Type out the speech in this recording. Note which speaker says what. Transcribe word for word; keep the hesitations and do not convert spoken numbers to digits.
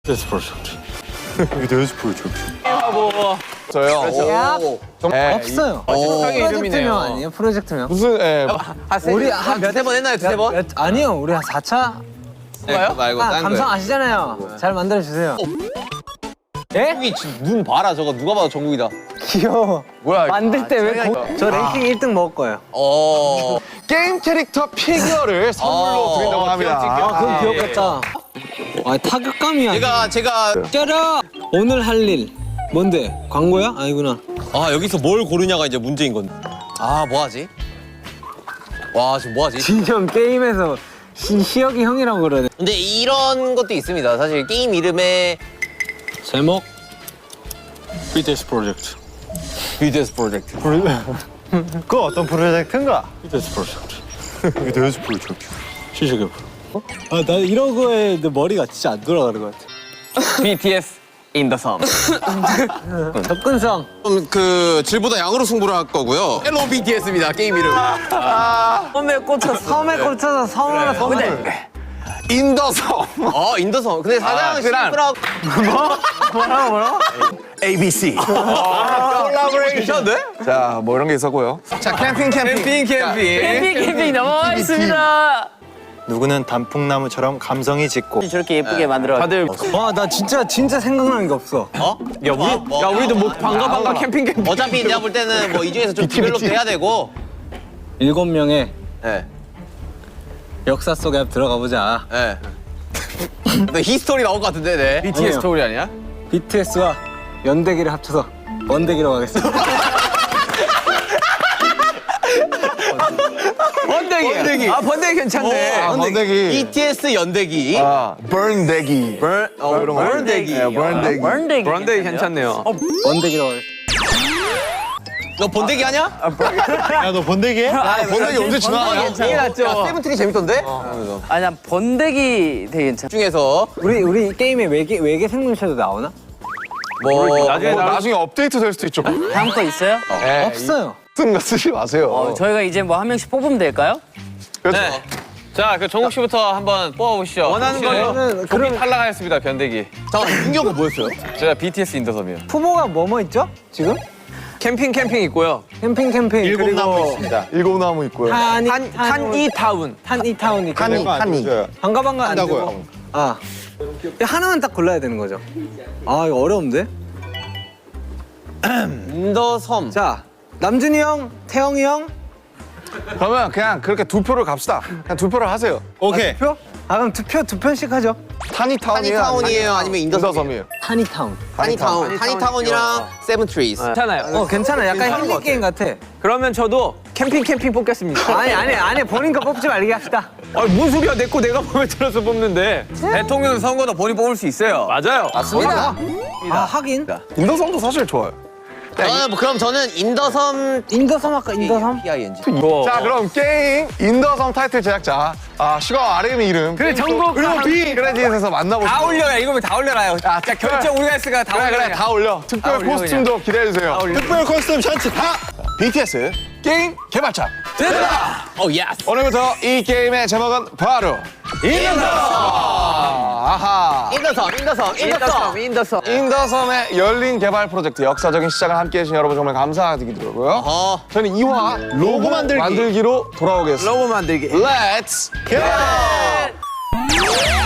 Speaker 1: 데스 프로젝트. 데스 프로젝트.
Speaker 2: 하고
Speaker 3: 저요.
Speaker 4: 그렇죠.
Speaker 3: 네,
Speaker 4: 없어요.
Speaker 2: 마지막에
Speaker 4: 프로젝트명
Speaker 2: 이름이네요.
Speaker 4: 아니에요? 프로젝트명?
Speaker 3: 무슨 예.
Speaker 4: 우리
Speaker 2: 한몇세 번 했나요? 두세 번?
Speaker 4: 몇, 아니요, 우리 한 사 차.
Speaker 2: 그거요?
Speaker 5: 말고
Speaker 4: 아,
Speaker 5: 딴
Speaker 4: 감성
Speaker 5: 거예요.
Speaker 4: 아시잖아요. 잘 만들어 주세요. 예?
Speaker 5: 정국이 지금 눈 봐라 저거 누가 봐도 정국이다.
Speaker 4: 귀여워.
Speaker 3: 뭐야?
Speaker 4: 만들 때 왜 저 랭킹 일 등 먹을 거예요.
Speaker 5: 어.
Speaker 3: 게임 캐릭터 피규어를 선물로
Speaker 5: 어,
Speaker 3: 드린다고 합니다.
Speaker 4: 아, 그럼 귀엽겠다. 아, 타격감이야.
Speaker 5: 제가 제가
Speaker 4: 짜라. 오늘 할 일. 뭔데? 광고야? 아니구나.
Speaker 5: 아 여기서 뭘 고르냐가 이제 문제인 건데. 아 뭐하지? 와 지금 뭐하지?
Speaker 4: 진정 게임에서 시, 시혁이 형이라고 그러네.
Speaker 5: 근데 이런 것도 있습니다. 사실 게임 이름에
Speaker 4: 제목?
Speaker 1: 비데스 프로젝트.
Speaker 5: 비데스 프로젝트.
Speaker 1: 그 어떤 프로젝트인가? 비데스 프로젝트. 비데스 프로젝트. 시작해 봐.
Speaker 4: 아, 나 이런 거에 내 머리가 진짜 안 돌아가는 것 같아.
Speaker 2: 비티에스 in the sun.
Speaker 4: 접근성.
Speaker 5: 좀 그 질보다 양으로 승부를 할 거고요. 헬로 비티에스입니다. 게임 이름.
Speaker 2: 처음에 꽂혔어.
Speaker 4: 섬에 꽂혀서 섬으로 섬을.
Speaker 3: 인더섬.
Speaker 5: 어 인더섬. 근데 사장 심플하고
Speaker 4: 뭐라고 뭐라고?
Speaker 3: 에이비씨.
Speaker 5: 괜찮은데?
Speaker 3: 자, 뭐 이런 게 있었고요. 자, 캠핑 캠핑.
Speaker 5: 캠핑 캠핑.
Speaker 2: 캠핑 캠핑 넘어와 있습니다.
Speaker 1: 누구는 단풍나무처럼 감성이 짙고
Speaker 2: 저렇게 예쁘게 만들어. 다들
Speaker 4: 와, 나 진짜 진짜 생각나는 게 없어.
Speaker 5: 어?
Speaker 2: 야 우리 야 우리도 뭐 반가 반가 캠핑 캠핑.
Speaker 5: 어차피 내가 볼 때는 뭐 이 중에서 좀 디벨롭 해야 되고.
Speaker 4: 일곱 명의
Speaker 5: 예.
Speaker 4: 역사 속에 한번 들어가 보자.
Speaker 5: 예. 네, 히스토리 나올 것 같은데, 네.
Speaker 2: 비티에스
Speaker 4: 아니요.
Speaker 2: 스토리 아니야?
Speaker 4: 비티에스와 연대기를 합쳐서 번대기로 가겠습니다.
Speaker 2: 번데기. 번데기. 아 번데기 괜찮네.
Speaker 3: 아, 번데기.
Speaker 5: 비티에스 연대기.
Speaker 3: 아, 버ን데기.
Speaker 5: burn, 어,
Speaker 3: 이런 거.
Speaker 5: burn대기.
Speaker 3: 예, 버n데기.
Speaker 2: 번데기. 번데기 괜찮네요.
Speaker 4: 번대기로 가겠습니다.
Speaker 5: 너 번데기 하냐?
Speaker 1: 야 너 번데기 해?
Speaker 3: 아, 번데기 언제 지나가냐?
Speaker 2: 이게 낫죠.
Speaker 5: 야, 세븐틴이 재밌던데?
Speaker 2: 아니 난 번데기 되게 괜찮아.
Speaker 5: 중에서
Speaker 4: 우리 우리 게임에 외계 외계 생물체도 나오나?
Speaker 5: 뭐
Speaker 2: 나중에
Speaker 3: 뭐
Speaker 2: 나
Speaker 3: 나중에 업데이트 될 수도 있죠.
Speaker 2: 다음 거 있어요?
Speaker 3: 예,
Speaker 4: 없어요.
Speaker 3: 쓴 거 쓰지 마세요.
Speaker 2: 어, 저희가 이제 뭐 한 명씩 뽑으면 될까요?
Speaker 3: 그렇죠.
Speaker 5: 네.
Speaker 6: 자, 그 정국 씨부터 한번 뽑아보시죠.
Speaker 2: 원하는
Speaker 6: 거는
Speaker 4: 그러면
Speaker 6: 그럼
Speaker 4: 그럼
Speaker 6: 탈락하였습니다. 변대기.
Speaker 5: 잠깐 윤경은 뭐였어요?
Speaker 6: 제가 비티에스 인더섬이요.
Speaker 4: 후보가 뭐뭐 있죠? 지금?
Speaker 2: 캠핑 캠핑 있고요.
Speaker 4: 캠핑 캠핑
Speaker 1: 일곱 나무
Speaker 4: 그리고
Speaker 1: 있습니다.
Speaker 3: 일곱 나무 있고요.
Speaker 4: 한이
Speaker 2: 한 한이 타운.
Speaker 4: 한이 타운 있고
Speaker 3: 한이. 한이.
Speaker 4: 반가 반가 안
Speaker 1: 한다고요.
Speaker 4: 되고. 아 하나만 딱 골라야 되는 거죠. 아 이거 어려운데?
Speaker 5: 인더섬.
Speaker 4: 자 남준이 형, 태영이 형.
Speaker 3: 그러면 그냥 그렇게 두 표를 갑시다. 그냥 두 표를 하세요.
Speaker 1: 오케이.
Speaker 4: 표? 아 그럼 투표 두 편씩 하죠.
Speaker 3: 타니타운이에요?
Speaker 5: 타니타운이에요? 아니면 인더섬이에요?
Speaker 3: 인더섬이에요?
Speaker 4: 한이 타운.
Speaker 5: 타니타운. 타니타운이랑 세븐트리즈.
Speaker 2: 괜찮아요.
Speaker 4: 어 괜찮아. 약간 힐링 게임 같아.
Speaker 2: 그러면 저도 캠핑 캠핑 뽑겠습니다.
Speaker 4: 아니 아니 아니 본인 거 뽑지 말게 합시다.
Speaker 2: 아니 뭔 소리야? 내 거 내가 마음에 들어서 뽑는데.
Speaker 6: 대통령 선거도 본인 뽑을 수 있어요.
Speaker 2: 맞아요.
Speaker 4: 맞습니다. 아 하긴
Speaker 3: 인더섬도 사실 좋아요.
Speaker 5: 저는 뭐 그럼 저는 인더섬
Speaker 4: 인더섬 아까 인더섬.
Speaker 5: 피아이엔지.
Speaker 3: 자, 그럼 게임 인더섬 타이틀 제작자 아, 슈가 아르미 이름
Speaker 2: 그래 정국
Speaker 3: 그리고 B 크레딧에서 만나보시죠.
Speaker 6: 다 올려요. 이거 다 올려라요. 자, 결정 우리가 했으니까 다
Speaker 3: 그래
Speaker 6: 올려요.
Speaker 3: 그래 다 올려. 특별
Speaker 2: 올려,
Speaker 3: 코스튬도 기대해주세요.
Speaker 1: 특별 코스튬 셔츠 다.
Speaker 3: 비티에스 게임 개발자.
Speaker 5: 오 예스.
Speaker 3: 오늘부터 이 게임의 제목은 바로 인더섬. 아하.
Speaker 5: 인더섬, 인더섬, 인더섬.
Speaker 2: 인더섬 인더섬.
Speaker 3: 인더섬의 열린 개발 프로젝트 역사적인 시작을 함께해 주신 여러분 정말 감사드리고요.
Speaker 5: 어.
Speaker 3: 저는 이 화 로고 만들기. 만들기로 돌아오겠습니다.
Speaker 2: 로고 만들기.
Speaker 3: Let's go!